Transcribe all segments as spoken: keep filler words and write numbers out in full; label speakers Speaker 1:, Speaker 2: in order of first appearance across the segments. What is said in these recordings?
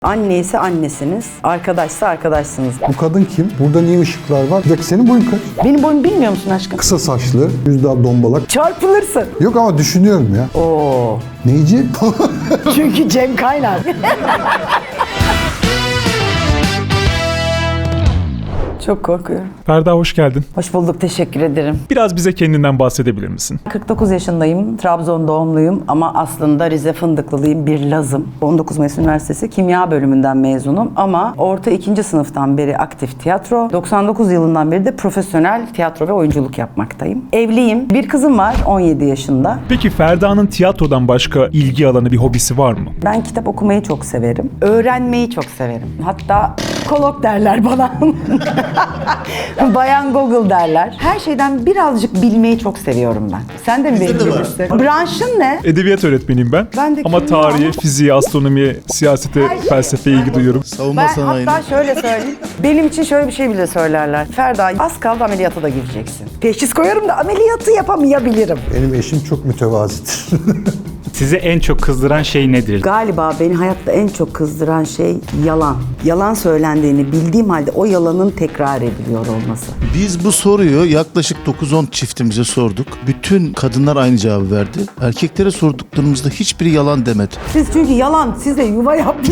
Speaker 1: Anneyse annesiniz, arkadaşsa arkadaşsınız.
Speaker 2: Bu kadın kim? Burada niye ışıklar var? Bir dakika, senin boyun kaç?
Speaker 1: Benim boyumu bilmiyor musun aşkım?
Speaker 2: Kısa saçlı, yüzde dombalak.
Speaker 1: Çarpılırsın.
Speaker 2: Yok ama düşünüyorum ya.
Speaker 1: Oo.
Speaker 2: Neyci?
Speaker 1: Çünkü Cem Kaynar. Çok korkuyorum.
Speaker 3: Ferda, hoş geldin.
Speaker 1: Hoş bulduk, teşekkür ederim.
Speaker 3: Biraz bize kendinden bahsedebilir misin?
Speaker 1: kırk dokuz yaşındayım, Trabzon doğumluyum ama aslında Rize Fındıklılıyım, bir Lazım. on dokuz Mayıs Üniversitesi Kimya bölümünden mezunum ama orta ikinci sınıftan beri aktif tiyatro, doksan dokuz yılından beri de profesyonel tiyatro ve oyunculuk yapmaktayım. Evliyim, bir kızım var on yedi yaşında.
Speaker 3: Peki Ferda'nın tiyatrodan başka ilgi alanı, bir hobisi var mı?
Speaker 1: Ben kitap okumayı çok severim, öğrenmeyi çok severim. Hatta kolok derler bana. Bayan Google derler. Her şeyden birazcık bilmeyi çok seviyorum ben. Sen de mi benim gibisin? Branşın ne?
Speaker 3: Edebiyat öğretmeniyim ben.
Speaker 1: Ben de
Speaker 3: Ama
Speaker 1: kimya
Speaker 3: tarihe,
Speaker 1: ama-
Speaker 3: fiziğe, astronomiye, siyasete,
Speaker 1: Her şey-
Speaker 3: felsefeye ilgi duyuyorum.
Speaker 4: Savunma
Speaker 1: Ben
Speaker 4: sanayine.
Speaker 1: hatta şöyle söyleyeyim. Benim için şöyle bir şey bile söylerler. Ferda, az kaldı ameliyata da gireceksin. Teşhis koyarım da ameliyatı yapamayabilirim.
Speaker 2: Benim eşim çok mütevazidir.
Speaker 5: Sizi en çok kızdıran şey nedir?
Speaker 1: Galiba beni hayatta en çok kızdıran şey yalan. Yalan söylendiğini bildiğim halde o yalanın tekrar ediliyor olması.
Speaker 4: Biz bu soruyu yaklaşık dokuz on çiftimize sorduk. Bütün kadınlar aynı cevabı verdi. Erkeklere sorduklarımızda hiçbiri yalan demedi.
Speaker 1: Siz çünkü yalan size yuva yapmış.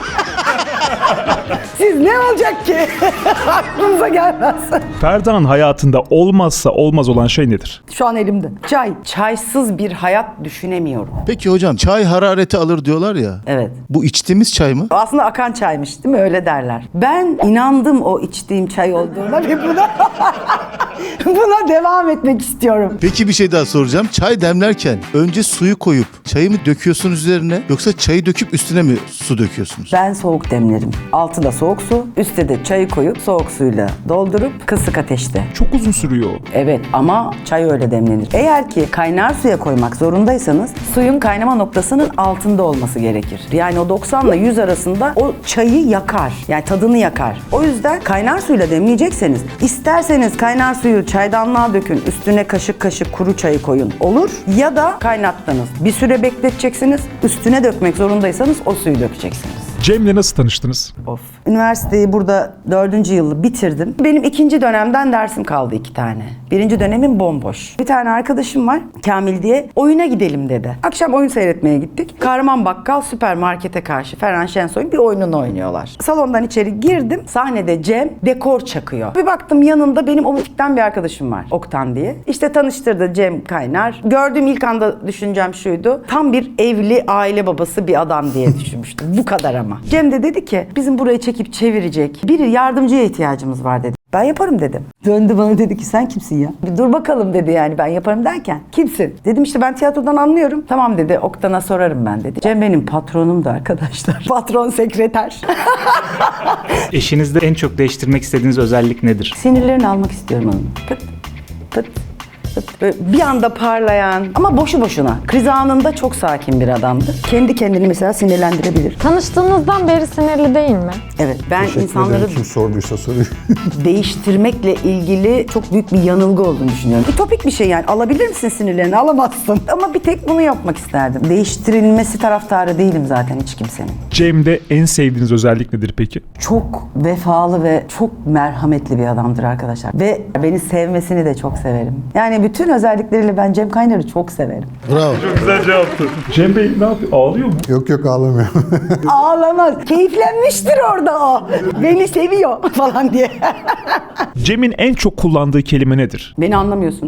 Speaker 1: Siz ne olacak ki? Aklınıza gelmez.
Speaker 3: Ferda'nın hayatında olmazsa olmaz olan şey nedir?
Speaker 1: Şu an elimde. Çay. Çaysız bir hayat düşünemiyorum.
Speaker 4: Peki hocam, çay harareti alır diyorlar ya.
Speaker 1: Evet.
Speaker 4: Bu içtiğimiz çay mı?
Speaker 1: Aslında akan çaymış değil mi? Öyle derler. Ben inandım o içtiğim çay olduğuna ve buna, buna devam etmek istiyorum.
Speaker 4: Peki bir şey daha soracağım. Çay demlerken önce suyu koyup çayı mı döküyorsunuz üzerine, yoksa çayı döküp üstüne mi su döküyorsunuz?
Speaker 1: Ben soğuk demlerim. Altı da soğuk su, üstte de çayı koyup soğuk suyla doldurup kısık ateşte.
Speaker 3: Çok uzun sürüyor.
Speaker 1: Evet ama çay öyle demlenir. Eğer ki kaynar suya koymak zorundaysanız suyun kaynama noktasının altında olması gerekir. Yani o doksanla yüz arasında o çayı yakar. Yani tadını yakar. O yüzden kaynar suyla demleyecekseniz isterseniz kaynar suyu çaydanlığa dökün, üstüne kaşık kaşık kuru çayı koyun. Olur. Ya da kaynattınız. Bir süre bekleteceksiniz. Üstüne dökmek zorundaysanız o suyu dökeceksiniz.
Speaker 3: Cem'le nasıl tanıştınız?
Speaker 1: Of. Üniversiteyi burada dördüncü yılı bitirdim. Benim ikinci dönemden dersim kaldı iki tane. Birinci dönemin bomboş. Bir tane arkadaşım var, Kamil diye. Oyuna gidelim dedi. Akşam oyun seyretmeye gittik. Kahraman Bakkal süpermarkete karşı Ferhan Şensoy'un bir oyununu oynuyorlar. Salondan içeri girdim. Sahnede Cem dekor çakıyor. Bir baktım yanında benim omutikten bir arkadaşım var. Oktan diye. İşte tanıştırdı Cem Kaynar. Gördüğüm ilk anda düşüncem şuydu. Tam bir evli aile babası bir adam diye düşünmüştüm. Bu kadar ama. Cem de dedi ki bizim burayı çekip çevirecek biri, yardımcıya ihtiyacımız var dedi. Ben yaparım dedim. Döndü bana dedi ki sen kimsin ya? Bir dur bakalım dedi, yani ben yaparım derken. Kimsin? Dedim işte ben tiyatrodan anlıyorum. Tamam dedi, Oktan'a sorarım ben dedi. Cem benim patronumdu arkadaşlar. Patron sekreter.
Speaker 5: Eşinizde en çok değiştirmek istediğiniz özellik nedir?
Speaker 1: Sinirlerini almak istiyorum onun. Pıt pıt pıt. Böyle bir anda parlayan ama boşu boşuna. Kriz anında çok sakin bir adamdı. Kendi kendini mesela sinirlendirebilir.
Speaker 6: Tanıştığınızdan beri sinirli değil mi?
Speaker 1: Evet, ben
Speaker 2: Teşekkür
Speaker 1: insanları
Speaker 2: ederim, kim sorduysa soruyor.
Speaker 1: değiştirmekle ilgili çok büyük bir yanılgı olduğunu düşünüyorum. Ütopik bir şey yani. Alabilir misin sinirlerini? Alamazsın. Ama bir tek bunu yapmak isterdim. Değiştirilmesi taraftarı değilim zaten hiç kimsenin.
Speaker 3: Cem'de en sevdiğiniz özellik nedir peki?
Speaker 1: Çok vefalı ve çok merhametli bir adamdır arkadaşlar. Ve beni sevmesini de çok severim. Yani bütün özellikleriyle ben Cem Kaynar'ı çok severim.
Speaker 4: Bravo.
Speaker 3: Güzel cevaptı. Cem Bey ne yapıyor? Ağlıyor mu?
Speaker 2: Yok yok, ağlamıyor.
Speaker 1: Ağlamaz. Keyiflenmiştir orada o. Beni seviyor falan diye.
Speaker 3: Cem'in en çok kullandığı kelime nedir?
Speaker 1: Beni anlamıyorsunuz.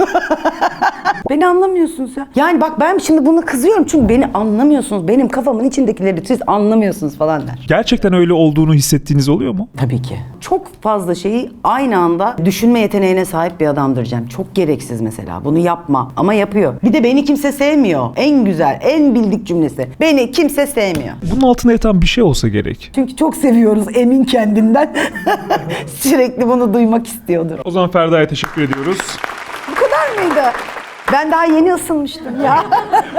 Speaker 1: Beni anlamıyorsunuz ya. Yani bak ben şimdi bunu kızıyorum çünkü beni anlamıyorsunuz. Benim kafamın içindekileri siz anlamıyorsunuz falan der.
Speaker 3: Gerçekten öyle olduğunu hissettiğiniz oluyor mu?
Speaker 1: Tabii ki. Çok fazla şeyi aynı anda düşünme yeteneğine sahip bir adamdır Cem. Çok gereksiz mesela. Bunu yapma. Ama yapıyor. Bir de beni kimse sevmiyor. En güzel, en bildik cümlesi. Beni kimse sevmiyor.
Speaker 3: Bunun altında yatan bir şey olsa gerek.
Speaker 1: Çünkü çok seviyoruz emin kendinden. Sürekli bunu duymak istiyordur.
Speaker 3: O zaman Ferda'ya teşekkür ediyoruz.
Speaker 1: Bu kadar mıydı? Ben daha yeni ısınmıştım ya.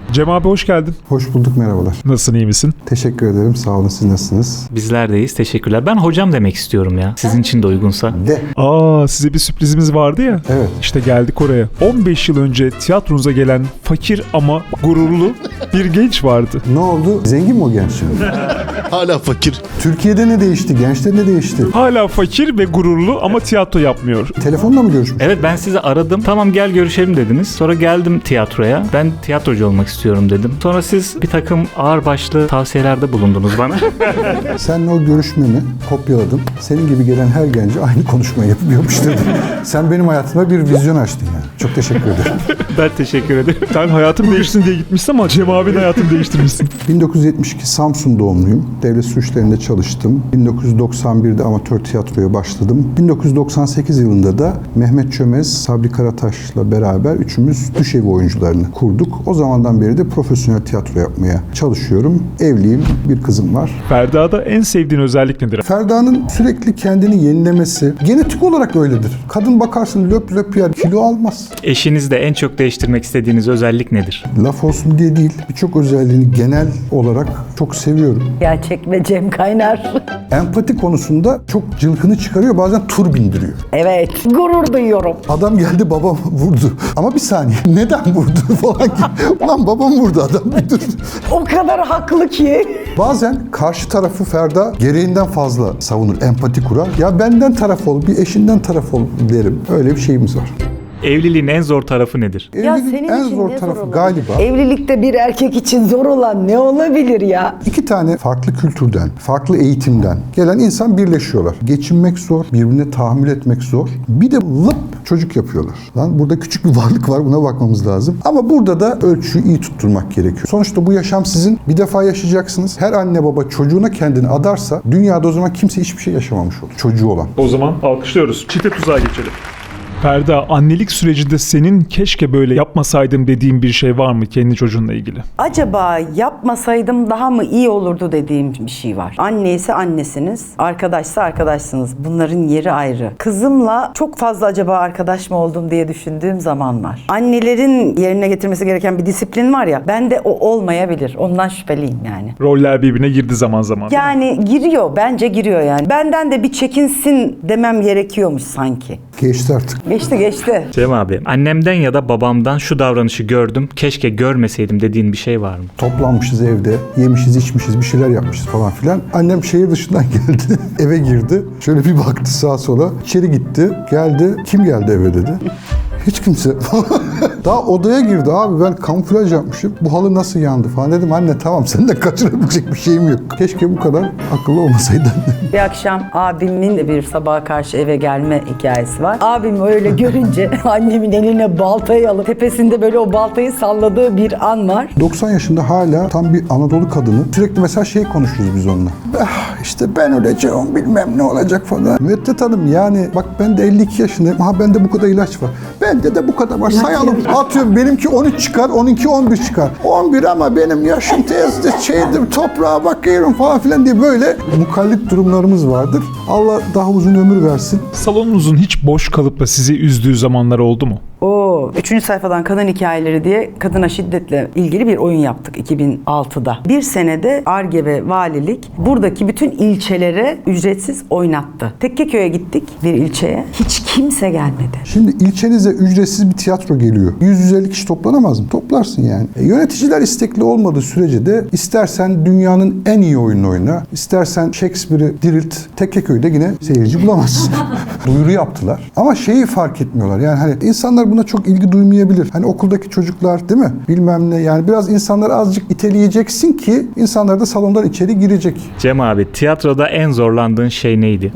Speaker 3: Cem abi hoş geldin.
Speaker 2: Hoş bulduk, merhabalar.
Speaker 3: Nasılsın, iyi misin?
Speaker 2: Teşekkür ederim, sağ olun. Siz nasılsınız?
Speaker 5: Bizler deyiz. Teşekkürler. Ben hocam demek istiyorum ya. Sizin için de uygunsa.
Speaker 2: De.
Speaker 3: Aa, size bir sürprizimiz vardı ya.
Speaker 2: Evet.
Speaker 3: İşte geldik oraya. on beş yıl önce tiyatronuza gelen fakir ama gururlu bir genç vardı.
Speaker 2: Ne oldu? Zengin mi o genç şimdi?
Speaker 4: Hala fakir.
Speaker 2: Türkiye'de ne değişti? Gençte ne değişti?
Speaker 3: Hala fakir ve gururlu ama tiyatro yapmıyor.
Speaker 2: Telefonla mı görüşmüş?
Speaker 5: Evet, ben sizi aradım. Tamam gel görüşelim dediniz. Sonra geldim tiyatroya. Ben tiyatrocu olmak istiyorum dedim. Sonra siz bir takım ağırbaşlı tavsiyelerde bulundunuz bana.
Speaker 2: Seninle o görüşmemi kopyaladım. Senin gibi gelen her gence aynı konuşmayı yapıp yapıştırdım. Sen benim hayatıma bir vizyon açtın yani. Çok teşekkür ederim.
Speaker 5: Ben teşekkür ederim.
Speaker 3: Sen hayatım değişsin diye gitmişsin ama Cem abinin hayatını değiştirmişsin.
Speaker 2: bin dokuz yüz yetmiş iki Samsun doğumluyum. Devlet Su İşleri'nde çalıştım. bin dokuz yüz doksan birde amatör tiyatroya başladım. bin dokuz yüz doksan sekiz yılında da Mehmet Çömez, Sabri Karataş'la beraber üçümüz düşevi oyuncularını kurduk. O zamandan beri de profesyonel tiyatro yapmaya çalışıyorum. Evliyim, bir kızım var.
Speaker 3: Ferda'da en sevdiğin özellik nedir?
Speaker 2: Ferda'nın sürekli kendini yenilemesi, genetik olarak öyledir. Kadın bakarsın löp löp yer, kilo almaz.
Speaker 5: Eşinizde en çok değiştirmek istediğiniz özellik nedir?
Speaker 2: Laf olsun diye değil, birçok özelliğini genel olarak çok seviyorum.
Speaker 1: Gerçek ve Cem Kaynar.
Speaker 2: Empati konusunda çok cılkını çıkarıyor, bazen tur bindiriyor.
Speaker 1: Evet, gurur duyuyorum.
Speaker 2: Adam geldi babam vurdu. Ama bir saniye neden vurdu falan gibi. Ulan babam vurdu adam bir dur.
Speaker 1: O kadar haklı ki.
Speaker 2: Bazen karşı tarafı Ferda gereğinden fazla savunur, empati kurar. Ya benden taraf ol, bir eşinden taraf ol derim. Öyle bir şeyimiz var.
Speaker 5: Evliliğin en zor tarafı nedir?
Speaker 1: Ya
Speaker 2: Evliliğin
Speaker 1: senin
Speaker 2: en
Speaker 1: için
Speaker 2: zor
Speaker 1: ne
Speaker 2: tarafı
Speaker 1: zor olan?
Speaker 2: galiba
Speaker 1: Evlilikte bir erkek için zor olan ne olabilir ya?
Speaker 2: iki tane farklı kültürden, farklı eğitimden gelen insan birleşiyorlar. Geçinmek zor, birbirine tahammül etmek zor. Bir de lıp çocuk yapıyorlar. Lan burada küçük bir varlık var, buna bakmamız lazım. Ama burada da ölçüyü iyi tutturmak gerekiyor. Sonuçta bu yaşam sizin. Bir defa yaşayacaksınız. Her anne baba çocuğuna kendini adarsa dünyada o zaman kimse hiçbir şey yaşamamış olur. Çocuğu olan.
Speaker 3: O zaman alkışlıyoruz. Çifte tuzağa geçelim. Ferda, annelik sürecinde senin keşke böyle yapmasaydım dediğin bir şey var mı kendi çocuğunla ilgili?
Speaker 1: Acaba yapmasaydım daha mı iyi olurdu dediğim bir şey var. Anne ise annesiniz, arkadaşsa arkadaşsınız. Bunların yeri ayrı. Kızımla çok fazla acaba arkadaş mı oldum diye düşündüğüm zaman var. Annelerin yerine getirmesi gereken bir disiplin var ya, bende o olmayabilir. Ondan şüpheliyim yani.
Speaker 3: Roller birbirine girdi zaman zaman.
Speaker 1: Yani giriyor, bence giriyor yani. Benden de bir çekinsin demem gerekiyormuş sanki.
Speaker 2: Geçti artık.
Speaker 1: Geçti geçti.
Speaker 5: Cem abi, annemden ya da babamdan şu davranışı gördüm, keşke görmeseydim dediğin bir şey var mı?
Speaker 2: Toplanmışız evde, yemişiz, içmişiz, bir şeyler yapmışız falan filan. Annem şehir dışından geldi, eve girdi. Şöyle bir baktı sağa sola, içeri gitti, geldi. Kim geldi eve dedi. Hiç kimse. Daha odaya girdi abi, ben kamuflaj yapmışım. Bu halı nasıl yandı falan dedim. Anne tamam, senin de kaçırabilecek bir şeyim yok. Keşke bu kadar akıllı olmasaydın.
Speaker 1: Bir akşam abimin de bir sabaha karşı eve gelme hikayesi var. Abim öyle görünce annemin eline baltayı alıp tepesinde böyle o baltayı salladığı bir an var.
Speaker 2: doksan yaşında hala tam bir Anadolu kadını. Sürekli mesela şey konuşuruz biz onunla. Ah, işte ben öleceğim, bilmem ne olacak falan. Müddet Hanım yani bak ben de elli iki yaşındayım. Ha bende bu kadar ilaç var. Bende de bu kadar var. Sayalım. Atıyorum benimki on üç çıkar, onunki on bir çıkar. on bir ama benim yaşım tezdir, şeydir, toprağa bakıyorum falan filan diye böyle mukallit durumlarımız vardır. Allah daha uzun ömür versin.
Speaker 3: Salonunuzun hiç boş kalıp da sizi üzdüğü zamanlar oldu mu?
Speaker 1: Oo, üçüncü sayfadan kadın hikayeleri diye kadına şiddetle ilgili bir oyun yaptık iki bin altıda. Bir senede Ar-Ge ve Valilik buradaki bütün ilçelere ücretsiz oynattı. Tekkeköy'e gittik bir ilçeye. Hiç kimse gelmedi.
Speaker 2: Şimdi ilçenize ücretsiz bir tiyatro geliyor. yüz yüz elli kişi toplanamaz mı? Toplarsın yani. E, yöneticiler istekli olmadığı sürece de istersen dünyanın en iyi oyununu oyna, istersen Shakespeare'i dirilt, Tekkeköy'de yine seyirci bulamazsın. Duyuru yaptılar. Ama şeyi fark etmiyorlar. Yani hani insanlar buna çok ilgi duymayabilir. Hani okuldaki çocuklar değil mi? Bilmem ne. Yani biraz insanları azıcık iteleyeceksin ki insanlar da salondan içeri girecek.
Speaker 5: Cem abi, tiyatroda en zorlandığın şey neydi?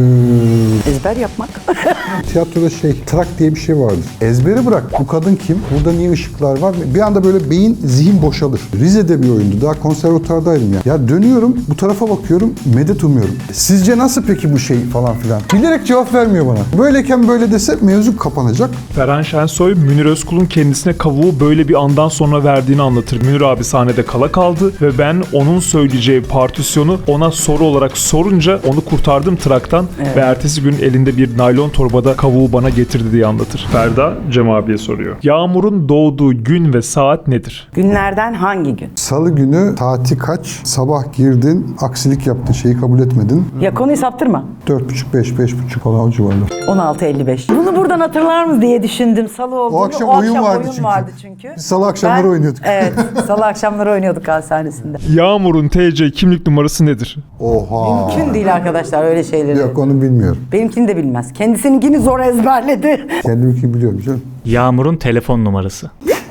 Speaker 2: Ee,
Speaker 1: Ezber yapmak.
Speaker 2: tiyatroda şey, trak diye bir şey vardır. Ezberi bırak. Bu kadın kim? Burada niye ışıklar var? Bir anda böyle beyin, zihin boşalır. Rize'de bir oyundu. Daha konservatuvardaydım ya. Ya dönüyorum, bu tarafa bakıyorum, medet umuyorum. Sizce nasıl peki bu şey falan filan? Bilerek cevap vermiyor bana. Böyleyken böyle dese mevzu kapanacak.
Speaker 3: Ferhan Şensoy, Münir Özkul'un kendisine kavuğu böyle bir andan sonra verdiğini anlatır. Münir abi sahnede kala kaldı ve ben onun söyleyeceği partisyonu ona soru olarak sorunca onu kurtardım traktan
Speaker 1: Evet.
Speaker 3: ve ertesi gün elinde bir naylon torbada kavuğu bana getirdi diye anlatır. Ferda Cem abiye soruyor. Yağmur'un doğduğu gün ve saat nedir?
Speaker 1: Günlerden hangi gün?
Speaker 2: Salı günü saati kaç? Sabah girdin, aksilik yaptın, şeyi kabul etmedin.
Speaker 1: Ya konuyu saptırma.
Speaker 2: Dört buçuk, beş, beş buçuk falan o civarlar.
Speaker 1: on altı elli beş. Bunu buradan hatırlar mı diye düşündüm. Salı olduğunu.
Speaker 2: O akşam oyun vardı çünkü.
Speaker 1: vardı çünkü.
Speaker 2: Biz salı akşamları
Speaker 1: Ben-
Speaker 2: oynuyorduk.
Speaker 1: Evet. Salı akşamları oynuyorduk hastanesinde.
Speaker 3: Yağmur'un T C kimlik numarası nedir?
Speaker 2: Oha.
Speaker 1: Mümkün değil arkadaşlar öyle şeyleri.
Speaker 2: Yok onu bilmiyorum.
Speaker 1: Benimkini de bilmez. Kendisininkini zor ezberledi.
Speaker 2: Kendimki biliyorum canım.
Speaker 5: Yağmur'un telefon numarası.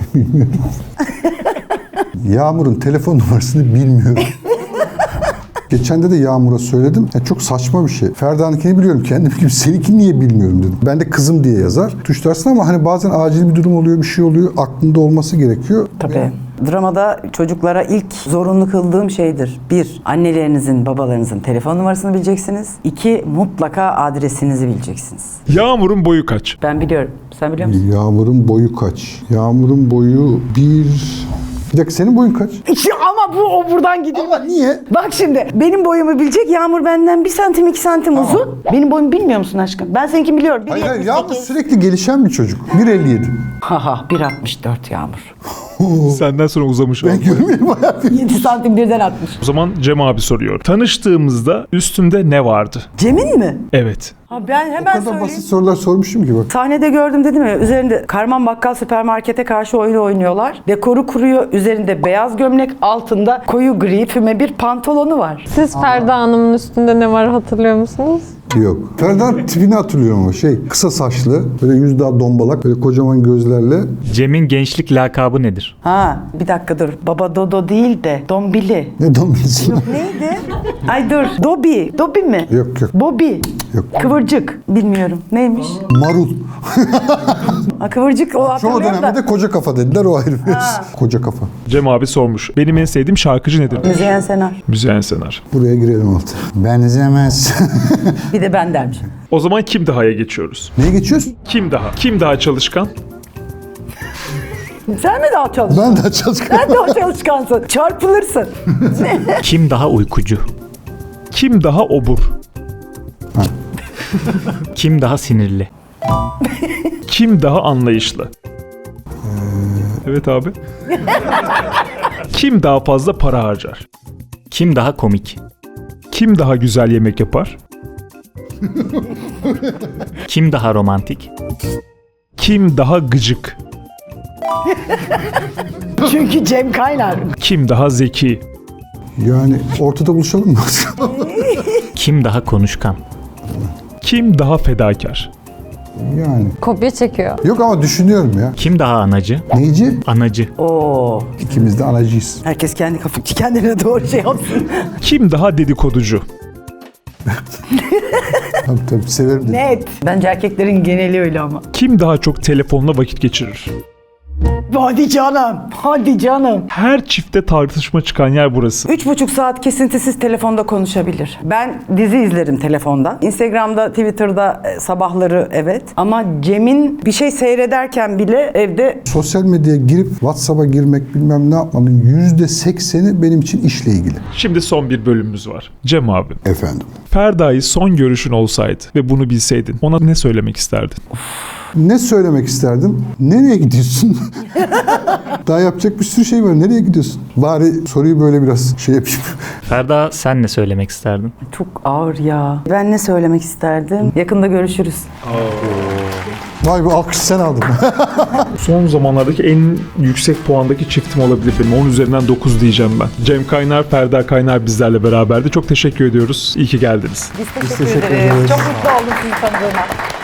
Speaker 2: Yağmur'un telefon numarasını bilmiyorum. Geçen de de Yağmur'a söyledim. Ya çok saçma bir şey. Ferda'nınkini biliyorum. Kendim gibi seninkini niye bilmiyorum dedim. Ben de kızım diye yazar. Tuşlarsın ama hani bazen acil bir durum oluyor, bir şey oluyor. Aklında olması gerekiyor.
Speaker 1: Tabii. Dramada çocuklara ilk zorunlu kıldığım şeydir. Bir, annelerinizin, babalarınızın telefon numarasını bileceksiniz. İki, mutlaka adresinizi bileceksiniz.
Speaker 3: Yağmur'un boyu kaç?
Speaker 1: Ben biliyorum. Sen biliyor musun?
Speaker 2: Yağmur'un boyu kaç? Yağmur'un boyu bir... Bir dakika senin boyun kaç?
Speaker 1: İşte ama bu o buradan gidiyor.
Speaker 2: Ama niye?
Speaker 1: Bak şimdi benim boyumu bilecek. Yağmur benden bir santim iki santim uzun. Benim boyumu bilmiyor musun aşkım? Ben seninkini biliyorum.
Speaker 2: Hayır hayır
Speaker 1: bir
Speaker 2: Yağmur
Speaker 1: yetmiş sekiz.
Speaker 2: sürekli gelişen bir çocuk. bir elli yedi.
Speaker 1: Haha bir altmış dört Yağmur.
Speaker 3: Senden sonra uzamış
Speaker 2: Ben
Speaker 3: oldu.
Speaker 2: görmeyeyim hayatım.
Speaker 1: yedi santim birden atmış.
Speaker 3: O zaman Cem abi soruyor. Tanıştığımızda üstünde ne vardı?
Speaker 1: Cem'in mi?
Speaker 3: Evet.
Speaker 1: Ha ben
Speaker 2: O
Speaker 1: hemen
Speaker 2: kadar
Speaker 1: söyleyeyim.
Speaker 2: basit sorular sormuşum ki bak.
Speaker 1: Sahnede gördüm dedim ya, üzerinde Karman Bakkal süpermarkete karşı oyun oynuyorlar. Dekoru kuruyor, üzerinde beyaz gömlek, altında koyu gri füme bir pantolonu var.
Speaker 6: Siz Ferda Hanım'ın üstünde ne var hatırlıyor musunuz?
Speaker 2: Yok. Ferdan tipini hatırlıyorum ama şey kısa saçlı, böyle yüz daha dombalak, böyle kocaman gözlerle.
Speaker 5: Cem'in gençlik lakabı nedir?
Speaker 1: Ha bir dakika dur, Baba Dodo değil de Dombili.
Speaker 2: Ne dombilsin?
Speaker 1: Neydi? Ay dur, Dobi, Dobi mi?
Speaker 2: Yok yok.
Speaker 1: Bobby.
Speaker 2: Yok.
Speaker 1: Kıvırcık. Bilmiyorum. Neymiş?
Speaker 2: Marul.
Speaker 1: Ha, kıvırcık o
Speaker 2: Çoğu
Speaker 1: hatırlıyorum
Speaker 2: dönemde
Speaker 1: da.
Speaker 2: de koca kafa dediler, o ayrı bir koca kafa.
Speaker 3: Cem abi sormuş. Benim en sevdiğim şarkıcı nedir?
Speaker 1: Müzeyyen Senar.
Speaker 3: Müzeyyen Senar.
Speaker 2: Buraya girelim altı. Benzemez.
Speaker 1: Bir de ben dermiş.
Speaker 3: O zaman kim daha'ya geçiyoruz?
Speaker 2: Neye geçiyoruz?
Speaker 3: Kim daha? Kim daha çalışkan?
Speaker 1: Sen mi daha çalışkan?
Speaker 2: Ben de çalışkan.
Speaker 1: Sen daha çalışkansın. Çarpılırsın.
Speaker 5: Kim daha uykucu?
Speaker 3: Kim daha obur?
Speaker 5: Kim daha sinirli?
Speaker 3: Kim daha anlayışlı? Evet abi. Kim daha fazla para harcar?
Speaker 5: Kim daha komik?
Speaker 3: Kim daha güzel yemek yapar?
Speaker 5: Kim daha romantik?
Speaker 3: Kim daha gıcık?
Speaker 1: Çünkü Cem Kaynar.
Speaker 3: Kim daha zeki?
Speaker 2: Yani ortada buluşalım mı?
Speaker 5: Kim daha konuşkan?
Speaker 3: Kim daha fedakar?
Speaker 2: Yani.
Speaker 6: Kopya çekiyor.
Speaker 2: Yok ama düşünüyorum ya.
Speaker 5: Kim daha anacı?
Speaker 2: Neyci?
Speaker 5: Anacı.
Speaker 1: Oo.
Speaker 2: İkimiz de anacıyız.
Speaker 1: Herkes kendi kafı kendine doğru şey yapsın.
Speaker 3: Kim daha dedikoducu?
Speaker 2: Tabii tabii severim dedim.
Speaker 1: Net. Bence erkeklerin geneli öyle ama.
Speaker 3: Kim daha çok telefonla vakit geçirir?
Speaker 1: Hadi canım. Hadi canım.
Speaker 3: Her çifte tartışma çıkan yer burası.
Speaker 1: Üç buçuk saat kesintisiz telefonda konuşabilir. Ben dizi izlerim telefonda. Instagram'da, Twitter'da e, sabahları evet. Ama Cem'in bir şey seyrederken bile evde
Speaker 2: Sosyal medyaya girip WhatsApp'a girmek bilmem ne yapmanın yüzde sekseni benim için işle ilgili.
Speaker 3: Şimdi son bir bölümümüz var. Cem abi,
Speaker 2: Efendim.
Speaker 3: Ferda'yı son görüşün olsaydı ve bunu bilseydin ona ne söylemek isterdin?
Speaker 2: Ne söylemek isterdim? Nereye gidiyorsun? Daha yapacak bir sürü şey var. Nereye gidiyorsun? Bari soruyu böyle biraz şey yapayım.
Speaker 5: Ferda sen ne söylemek isterdin?
Speaker 1: çok ağır ya. Ben ne söylemek isterdim? Yakında görüşürüz.
Speaker 2: Vay be, alkış sen aldın.
Speaker 3: Son zamanlardaki en yüksek puandaki çiftim olabilir benim. on üzerinden dokuz diyeceğim ben. Cem Kaynar, Ferda Kaynar bizlerle beraberdi. Çok teşekkür ediyoruz. İyi ki geldiniz.
Speaker 1: Biz teşekkür,
Speaker 2: teşekkür
Speaker 1: ederiz.
Speaker 2: ederiz.
Speaker 1: Çok mutlu oldum sizi tanıdığıma.